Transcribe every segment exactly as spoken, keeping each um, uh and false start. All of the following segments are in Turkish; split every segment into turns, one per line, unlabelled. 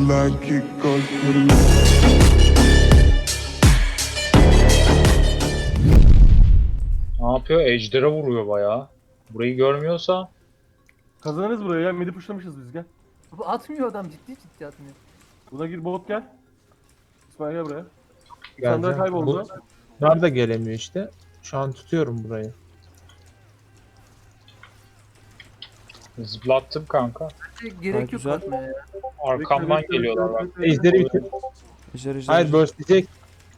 like it goes to the
Ne yapıyor? Ejder'e vuruyor bayağı. Burayı görmüyorsa
Kazanırız burayı ya. Midi pushlamışız biz, gel.
Bu atmıyor adam, ciddi ciddi atmıyor.
Buna gir, bot gel. İsmail gel buraya.
Geleceğim.
Sandra kayboldu.
Bunlar da gelemiyor işte. Şu an tutuyorum burayı.
zıplattım kanka.
Gerek
Gayet
yok
güzel.
atmaya ya.
Arkamdan
Bekle, bekle,
geliyorlar
bekle,
bak.
bekle.
Ejderi bitir.
Ejder ejder.
Hayır
ejder.
burst diyecek.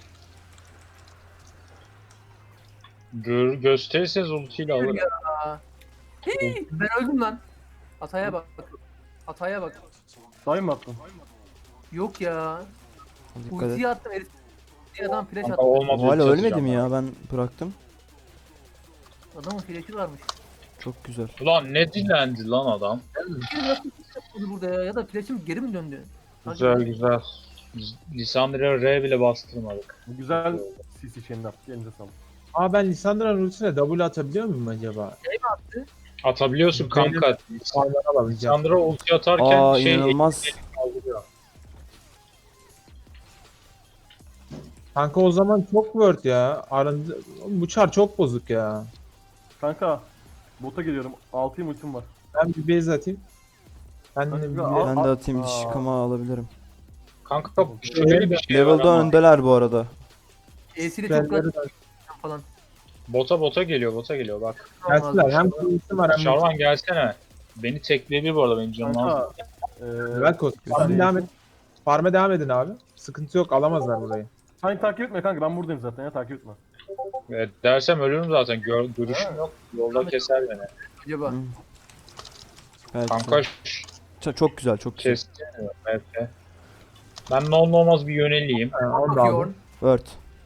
Gör, gösterirseniz ultiyle alırım.
Hey, ben öldüm lan. Hataya bak. Hataya bak.
Sayın mı attın?
Yok ya.
Dikkat et.
Ultiyi attım herif. Bir adam flash
Kanka
attı.
olmadı.
O hala
ulti
ölmedi mi
atacağım
ya? Ben bıraktım.
Adamın flash'i varmış.
Çok güzel.
ben. Ulan ne dilendi lan adam.
Bir nasıl flash yapmadı burada ya? Ya da flash'im geri mi döndü?
Güzel güzel. Biz Lissandra'ya R bile bastırmadık.
Bu güzel C C chain'ini attı. Elinize sağlık.
Aa ben Lissandra'nın ultisine W atabiliyor muyum acaba?
Atabiliyorsun kanka.
Farmları alamayacağım.
Lissandra ulti atarken
Aa
şey
inanılmaz.
kaldırıyor.
Kanka o zaman çok word ya. Arındı... Bu çar çok bozuk ya.
Kanka. Bota geliyorum. altıyım ultim var.
Ben bir base atayım. Ben
Kanka,
de bir...
al-
Ben de atayım,
Aa.
diş yıkama alabilirim.
Kanka şöyle bir şey var
Level'da
ama
öndeler bu arada.
E'siyle çok
Spellleri
rahat
de
falan.
bota bota geliyor bota geliyor bak.
gelsinler. Hem kulüsü var hem...
Şarvan gelsene. Beni tekleyebilir bu arada benim canım az.
Kanka. Eee...
Velkos. Farm'a devam et. Farm'a devam edin abi. Sıkıntı yok, alamazlar burayı.
Sen takip etme kanka, ben buradayım zaten ya, takip etme.
Evet, dersem ölürüm zaten. Gör, görüşüm yok. Yolda keser beni.
Acaba.
Hı. Belki.
Kanka şş,
Ç- Çok güzel, çok güzel.
kesmiyor. Evet. evet. Ben ne olur ne olmaz bir yöneleyim.
Ha, onu da
Bakıyor.
aldım.
Word.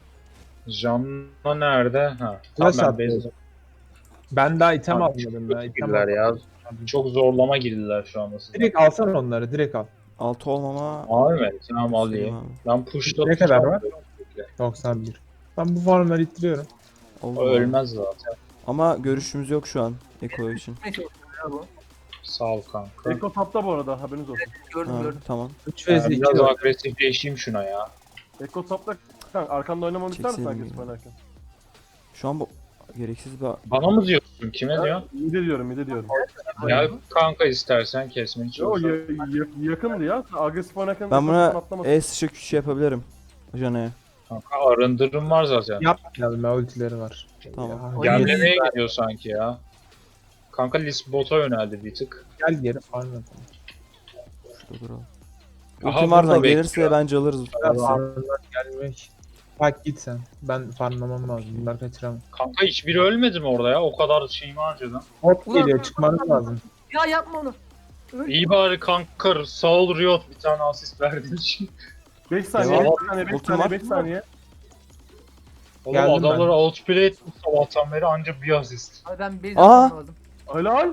Canla nerede? Ha.
Flash
Tamam
attı.
ben base
Ben daha item
Abi,
almadım ya.
çok
item
girdiler ya.
almadım.
Çok zorlama girdiler şu anda. size.
Direkt alsana onları, direkt al.
Altı olmama.
Abi mi? Tamam alayım.
Abi.
Ben push'ta
Ne kadar
tutacağım.
var? doksan bir. Ben bu farmları ittiriyorum.
Oldu
O
mu?
ölmez zaten.
Ama görüşümüz yok şu an Eko için.
Ne şey ya bu?
Sağ ol kanka.
Eko tapta bu arada, haberiniz olsun.
Gördüm
Ha,
gördüm.
tamam.
üç
Ben
vs iki
biraz
var.
agresifleşeyim şuna ya.
Eko tapta kanka, arkanda oynamamı ister misin
Çekseydin
herkes
ya.
oynarken?
Şu an bu gereksiz bir...
Bana mı diyorsun? Kime diyor?
Mide diyorum, mide diyorum.
Gel kanka istersen kesmeni
Yo,
çalışalım.
ya, ya- yakındı ya. Agresif oynarken
Ben
Eko
buna
atlamasın.
E sıçra küçük yapabilirim. Jana'ya.
Kanka arındırım var zaten.
Yapmayalım ya, ultileri var.
Tamam.
Ya,
Oyun-
Gemlemeye gidiyor sanki ya. Kanka Lis bota yöneldi bir tık.
gel geri farm yapalım.
Şurada duralım.
Aha,
Ultim var
burada
lan, gelirse
bekliyor.
bence alırız.
Farmlar gelmek. Bak git sen. Ben farmlamam lazım. Bunlar kaçıramam.
Kanka hiçbiri ölmedi mi orada ya? O kadar şeyimi harcadım.
Hop
Ulan-
geliyor, çıkmanız lazım.
Ya yapma onu.
İyi bari kanka sağ ol Riot bir tane asist verdiğin için.
beş saniye,
Devam.
beş saniye, beş
Ultim
saniye,
var.
beş saniye.
Oğlum
Geldim
adamları
ben.
outplay ettim sabahtan beri anca bir asist.
Abi ben base
Aa!
atmam lazım.
Helal.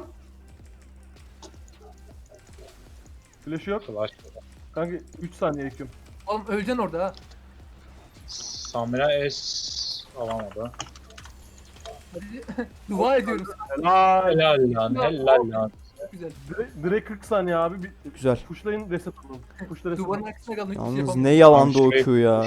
Flash yok.
Flash.
Kanka üç saniye ekliyorum.
Oğlum öleceksin orada ha.
Samira S alamadı.
Hadi. Dua ediyoruz.
Helal.
Helal lan helal lan.
Çok güzel.
Direkt, direkt kırk saniye abi. Bir,
Güzel.
pushlayın, reset alın. Pushla reset
Duvarın
alın.
arkasına kaldım. Hiçbir şey
Yalnız
yapamıyorum.
ne yalandı o
Şuraya-
Q ya.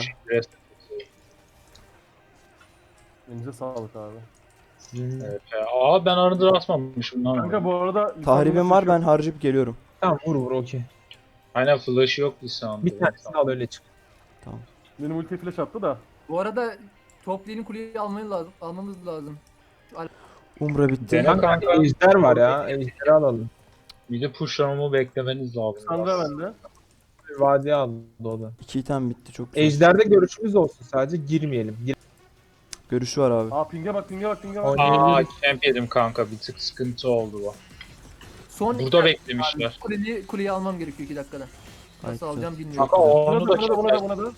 Elinize sağlık abi.
Sizin...
Evet, ya. Aa ben arındır atmamışım lan.
Kanka bu arada...
Tahribim var, ben harcayıp geliyorum.
Tamam vur vur okey.
Aynen flash yok Lisandro.
Bir tanesini al öyle çık.
Benim ulti flash attı da.
Bu arada top lane'in kuleyi almayı lazım. Almamız lazım.
Umbra bitti.
Dene
Kanka
kanka.
ejder var ya. Ejderi alalım.
Bir de pushlamamı beklemeniz lazım.
Sandra
biraz.
bende.
Bir vadiye aldı o da.
İki item bitti, çok güzel.
Ejderde görüşümüz olsun sadece, girmeyelim. Gir
Görüşü var abi.
Aa ping'e bak, ping'e bak, ping'e bak.
Oynayalım.
Aa camp yedim kanka bir tık sıkıntı oldu bu.
Son
Burada beklemişler.
kuleyi, kuleyi almam gerekiyor iki dakikada.
Gayet
Nasıl alacağım bilmiyorum.
Kanka
Buna
onu
da,
da
buna da, buna da,
keser.
buna da.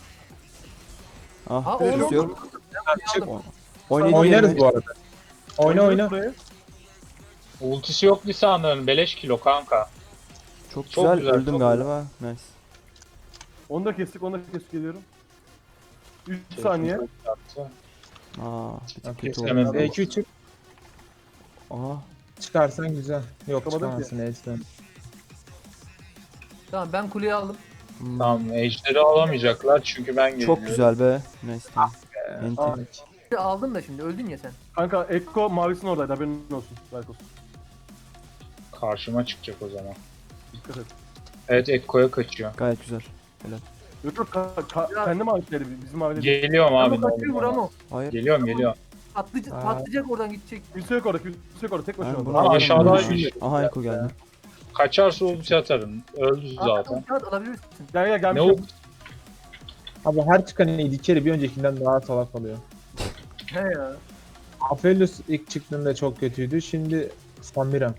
Ah,
Aa,
görüşü
oğlum.
yok.
çık.
Oynayın,
Oynarız
oynayın.
bu arada. Oyna oyna.
Buraya.
Ultisi yok Lisandro'nun beleş kilo kanka.
Çok
Çok
güzel,
güzel,
öldüm
çok
galiba. Nice.
Onu da kestik, onu da kestik, geliyorum. üç saniye.
Aa, bir tık
Okey.
kötü
Hemen
oldu.
E Q çık.
Aa,
Çıkarsan güzel. Yok
Çıkamadım
çıkamazsın Ejder.
Tamam ben kuleyi aldım.
Hmm,
Tamam ejderi alamayacaklar çünkü ben geliyorum.
Çok güzel be. Neyse. Enti.
Aa,
Aldın da şimdi öldün ya sen.
kanka Ekko mavisinin oradaydı haberin olsun. Belki olsun.
Karşıma çıkacak o zaman.
Dikkat et.
Evet Ekko'ya kaçıyor.
Gayet güzel.
Yok yok ka, ka, kendi mavileri bizim mavileri. değil.
Geliyorum abi.
Ama kaçıyor
normal.
Bramo.
Hayır.
Geliyorum geliyorum.
Patlayacak,
Aa.
patlayacak oradan gidecek.
Kimse yok orada kimse yok orada tek başına
Ben
orada.
bunu
Ama
alırım
aşağıda
ya.
bir-
Aha Eko geldi.
Kaçarsa ulti atarım. Öldü zaten.
Kağıt alabilirsin.
Gel gel
Ne
gelmiş.
o?
Abi her çıkan içeri bir öncekinden daha salak oluyor.
He ya.
Aphelios ilk çıktığında çok kötüydü. Şimdi Samira.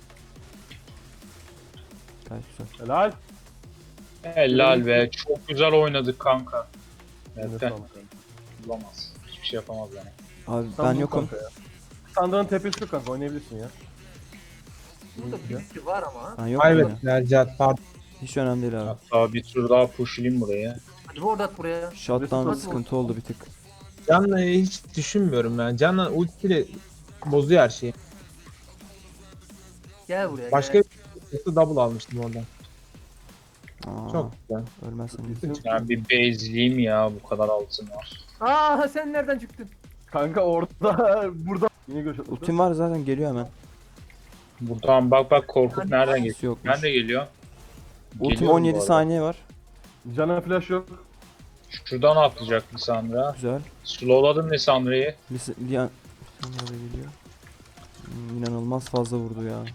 Gayet güzel.
Helal.
Helal be. Çok güzel oynadık kanka.
Eline
Evet.
sağlık.
Bulamaz. Hiçbir şey yapamaz yani.
Abi
Sen
ben
bul
yokum.
kanka ya. Sandra'nın tepesi yok kanka oynayabilirsin ya.
Burada birisi var ama.
Ben yokum ya.
Evet, Nercat pardon.
Hiç önemli değil abi.
Hatta bir tur daha pushlayayım buraya.
Hadi ward at buraya.
Shotdown
Nasıl
sıkıntı oldu bir tık.
Can'la hiç düşünmüyorum ben. Can'la ultiyle bozuyor her şeyi.
Gel buraya.
Başka
gel.
bir double almıştım oradan.
Aa,
Çok güzel.
ölmezsen iyi.
Kesin-
Yani bir base'liyim ya bu kadar altın var.
Aa sen nereden çıktın?
Kanka orada burada. Yine görüş atladı.
Ultim var zaten geliyor hemen.
Buradan bak bak Korkut nereden geliyor?
Hiç yokmuş.
Ben de geliyor.
Ultim
Geliyorum
on yedi
bu arada.
saniye var.
Can'a flash yok.
Şuradan atlayacak Lissandra.
Güzel.
Slowladım Lissandra'yı.
Lis- Lian... Nerede geliyor? Hmm, İnanılmaz fazla vurdu ya.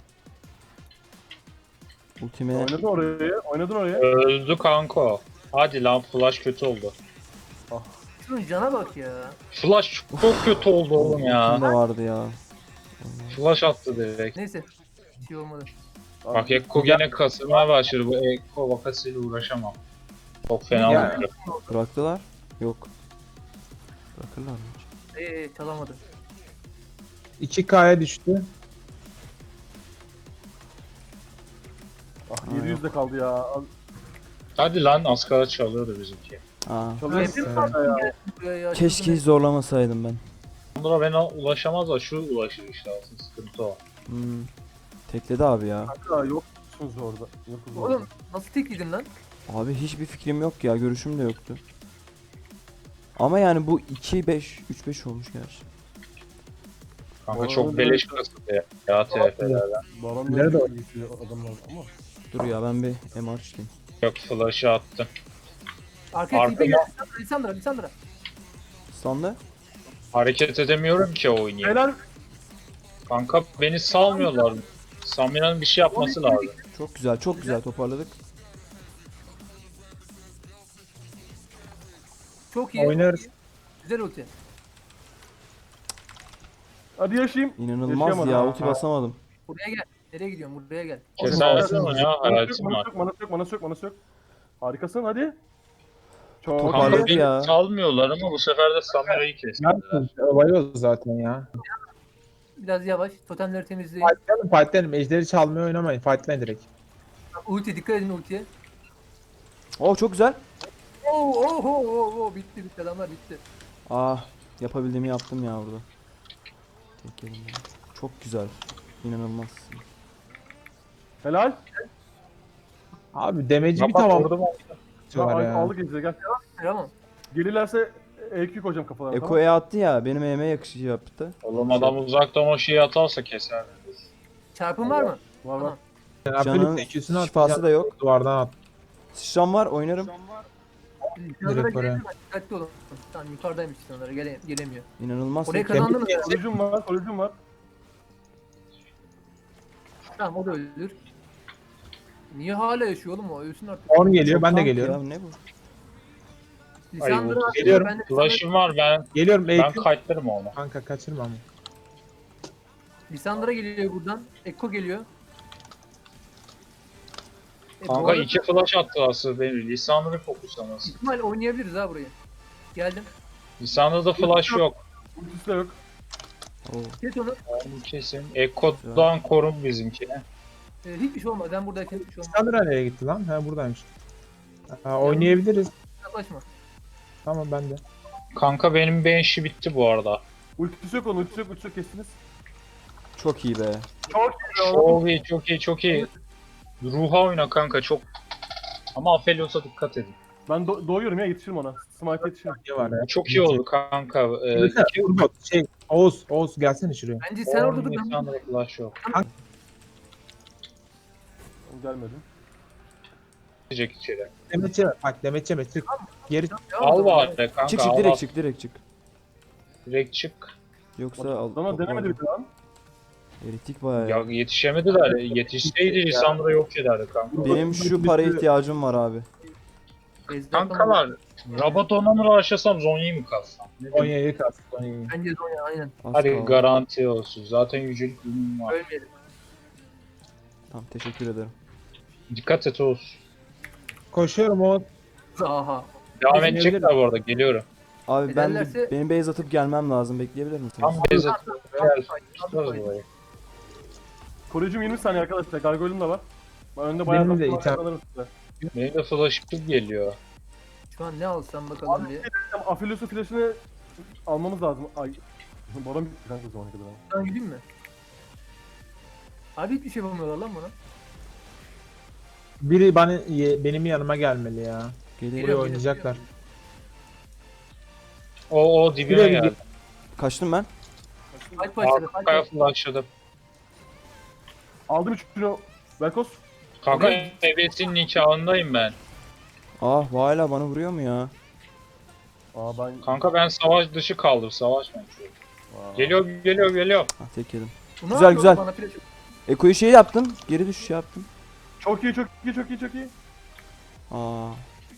Ultime
Oynadın oraya. Oynadın oraya.
Öldü kanka. Hadi lan flash kötü oldu.
Şunun cana bak ya.
Flash çok kötü oldu oğlum ya.
ultim de vardı ya.
Flash attı direkt.
Neyse. Bir şey olmadı.
Bak Ekko gene kasılmaya başladı. Bu Ekko vakasıyla uğraşamam. Çok fena
Ya.
oldu.
Bıraktılar. Yok. Bırakırlar mı hiç?
Eee çalamadı.
iki K'ya düştü.
Ah yedi yüzde kaldı ya. Al-
Hadi lan Askara çalıyordu bizimki.
Aa.
Çalıyorsun
Hepim
kanka ya.
Gel buraya ya.
Keşke
Çılgın
hiç zorlamasaydım ben.
Onlara ben ulaşamaz da şu ulaşır işte aslında sıkıntı o.
Hmm. Tekledi abi ya.
Kanka yoksunuz orada. Yokuz orada.
Oğlum nasıl tekledin lan?
Abi hiçbir fikrim yok ya. Görüşüm de yoktu. Ama yani bu iki beş üç beş olmuş gerçi.
Kanka
Oğlum,
çok beleş
evet.
kasıldı ya T F'lerden.
Baron
Nerede
da
o?
geçiyor adamlar ama.
Dur ya ben bir M R çıkayım.
Yok flash'ı attım.
Arkaya
Arkama-
tipe gel. Lisandra, Lisandra.
Standa.
Hareket edemiyorum ki oynayayım.
Helal.
Kanka beni salmıyorlar. Samira'nın bir şey yapması lazım.
Çok güzel çok güzel toparladık.
Çok iyi.
Oynarız.
Güzel ulti.
Hadi yaşayayım.
İnanılmaz
Yaşayamadım.
ya ulti basamadım.
Buraya gel. Nereye gidiyorsun? Buraya gel.
Kesersin ya
Manası yok,
hayatım
manası
var.
yok, manası yok, manası yok, manası yok. Harikasın hadi. Çok
Toparladı
Kanka
iyi.
beni
ya.
salmıyorlar ama bu sefer de Samira'yı kestiler.
Yaptın. Olay o zaten ya.
Biraz yavaş. Totemleri temizleyin.
Fightlayalım fightlayalım. Ejderi çalmaya oynamayın. Fightlayın direkt.
Ulti dikkat edin ultiye.
Oo çok güzel.
Oo oo oo oo oo bitti bitti adamlar bitti.
Ah yapabildiğimi yaptım ya burada. Tek elimle. Çok güzel. İnanılmaz.
Helal.
Abi demeci
Bak
bir
bak
tamam.
vurdum.
Tamam,
var ya.
aldık Ejder gel.
Tamam.
Gelirlerse E Q koyacağım kafalarına.
Eko
tamam.
E attı ya benim E'me yakışı yaptı.
Oğlum adam uzaktan o şeyi atarsa keser.
Çarpın var mı?
Var var.
Tamam.
Canın
Aphelios ikisini
şifası da yok.
Duvardan at.
Sıçram var oynarım.
Lisandra'ya
Direkt oraya.
gelin, dikkatli olun. Tamam yukarıdaymış Lisandra'ya gele gelemiyor.
İnanılmaz.
Oraya
tek-
kazandınız. ya.
Koruyucum var, koruyucum var.
Tamam o da ölür. Niye hala yaşıyor oğlum o? Ölsün artık.
on geliyor
Çok
ben de
tank
geliyorum.
Ya, ne bu?
Lisandra
Ay,
geliyorum.
ben de
Flash'ım var ben.
Geliyorum
Ben
E Q.
kayıtlarım onu.
Kanka kaçırma ama.
Lisandra geliyor buradan. Ekko geliyor. E, bu
Kanka
arada
iki flash attı aslında beni. Lisandra'yı fokuslaması.
ihtimal oynayabiliriz ha burayı. Geldim.
Lisandra'da flash yok.
Ultisi de yok.
Oo.
Kes onu.
Onu kesin. Ekko'dan korun bizimkini.
E, hiçbir şey olmaz. Ben buradayken hiçbir şey olmaz.
Sandra nereye gitti lan? Ha buradaymış. Ha, oynayabiliriz.
Yaklaşma.
Tamam ben de.
Kanka benim bench'i bitti bu arada.
Ultisi yok onun, ultisi yok, ultisi yok kestiniz.
Çok iyi be.
Çok iyi oğlum.
Çok iyi, çok iyi, çok iyi. Ruha oyna kanka çok Ama Aphelios'a dikkat edin.
Ben do- doğuyorum ya, yetişirim ona. Smite yetişirim.
Ne var ya?
Çok iyi oldu kanka. Ee,
Mesela
iki
Urgot, şey, Oğuz, Oğuz gelsene şuraya.
Bence sen orada dur. Ben
Lisandra flash yok.
Gelmedim.
Gidecek içeri.
Demetçe bak Demetçe mi? Çık. Geri
Al bari kanka.
Çık çık
al, al.
direkt çık direkt çık.
Direkt çık.
Yoksa al.
Ama denemedi bir lan.
Eritik bayağı.
Ya yetişemediler. Yetişseydi Lisandra yok ederdi kanka.
Benim şu para ihtiyacım var abi.
Kankalar, Rabadon'a mı uğraşasam Zonya'yı mı kalsam? Ne diyeyim?
Konya'yı kastı Konya'yı.
Bence Zonya aynen.
Az
Hadi
kaldı.
garanti olsun. Zaten yücelik ürünüm var.
Ölmeyelim.
Tamam teşekkür ederim.
Dikkat et Oğuz.
Koşuyorum Oğuz.
Aha.
Devam
Bizim
edecekler bu arada. Geliyorum.
Abi ben bir,
Ederlerse-
benim base atıp gelmem lazım. Bekleyebilir misiniz?
Tam base atıp gel. Tutarız burayı.
Koruyucum yirmi saniye arkadaşlar. Gargoyle'um da var. Ben önde bayağı
Benim de
takım
item-
kazanırım size.
Benim de flash'ım geliyor.
Şu an ne alsam bakalım diye.
Tamam, Aphelios'un flash'ını almamız lazım. Ay. Baron bitti kanka zamana kadar.
Ben gideyim mi? Abi hiçbir şey yapamıyorlar lan bana.
Biri bana, ye- benim yanıma gelmeli ya.
Geliyor.
Buraya
Geliyor,
oynayacaklar.
O o dibime
Buraya
geldi.
Kaçtım ben.
Fight başladı. Fight
Arkaya
başladı.
flashladım.
Aldım üçünü. Velkos.
Kanka
Ne?
ebesinin nikahındayım ben.
Ah hala bana vuruyor mu ya?
Aa ben...
Kanka ben savaş dışı kaldım. Savaşmayın.
Aa.
Geliyor geliyor geliyor.
Ah tek yedim.
Bu ne
Güzel,
yapıyor
güzel.
bana flash-
Eko'yu şey yaptım. Geri düşüş yaptım.
Çok iyi, çok iyi, çok iyi, çok iyi.
Aa.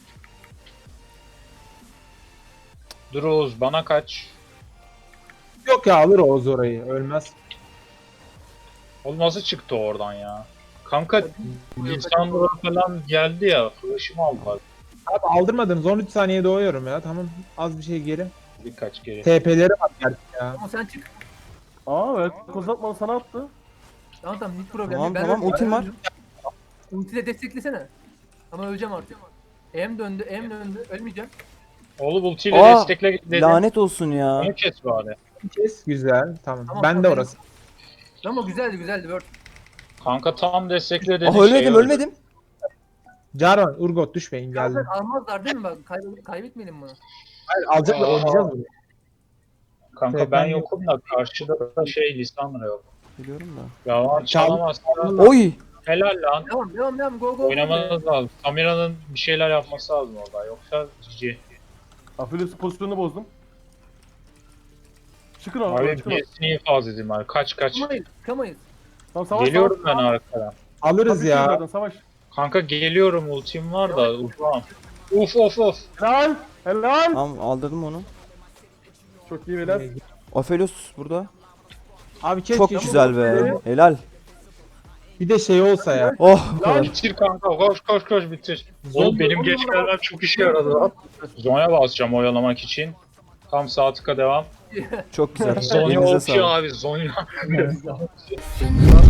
Dur Oğuz bana kaç.
Yok ya alır Oğuz orayı. Ölmez.
Oğlum nasıl çıktı oradan ya? Kanka Lisandra falan geldi ya. Flash'ımı aldılar.
Abi aldırmadınız. on üç saniye doğuyorum ya. Tamam. Az bir şey geri.
Birkaç geri.
T P'leri var gerçi ya.
Ama sen çık.
Aa Velkos atmadı, sana attı.
Tamam tamam hiç problem
Tamam,
değil.
tamam,
öldüm,
ultim
ben
var.
öldüm. Ultiyle desteklesene. Ama öleceğim artık. Em döndü, em döndü. Ölmeyeceğim.
Oğlum ultiyle
Aa,
destekle dedim.
Lanet olsun ya.
Onu kes bari.
Kes. Güzel. Tamam.
Tamam,
ben de
tamam,
orası.
Ama güzeldi güzeldi. Word.
Kanka tam destekle dedim.
Ah ölmedim ölmedim.
Jarvan, Urgot düşmeyin geldim.
Zaten almazlar değil mi? Bak kaybet, kaybetmeyelim bunu.
Hayır alacaklar
Aa.
oynayacağız bunu.
Kanka
Evet,
ben
ben
yokum da karşıda da şey Lisandra yok.
Biliyorum da.
Ya çalamazsan
Oy.
helal lan.
Devam devam devam go go.
Oynamanız lazım. Samira'nın bir şeyler yapması lazım orada. Yoksa cici.
Aphelios'un pozisyonunu bozdum. Çıkın oradan,
Abi
çıkın oradan.
birisini infaz edeyim abi. Kaç kaç.
Çıkamayız. Çıkamayız.
Tamam, savaş,
Geliyorum ben
savaş.
arkadan.
Alırız
Tabii
ya.
zaten, savaş.
Kanka geliyorum ultim var da uzağım. Uf of of.
Helal, helal.
Tamam aldırdım onu.
Çok iyi beyler.
Aphelios burada.
Abi keşke
Çok
şu-
güzel be. Helal.
Bir de şey olsa ya.
Oh bu kadar.
Bitir kanka koş koş koş bitir. Oğlum benim geç gelmem çok işe yaradı lan. Zonya basacağım oyalamak için. Tam sağ tıka devam.
Çok güzel.
Zonya
Elinize
okşuyor
sağlık.
abi Zonya.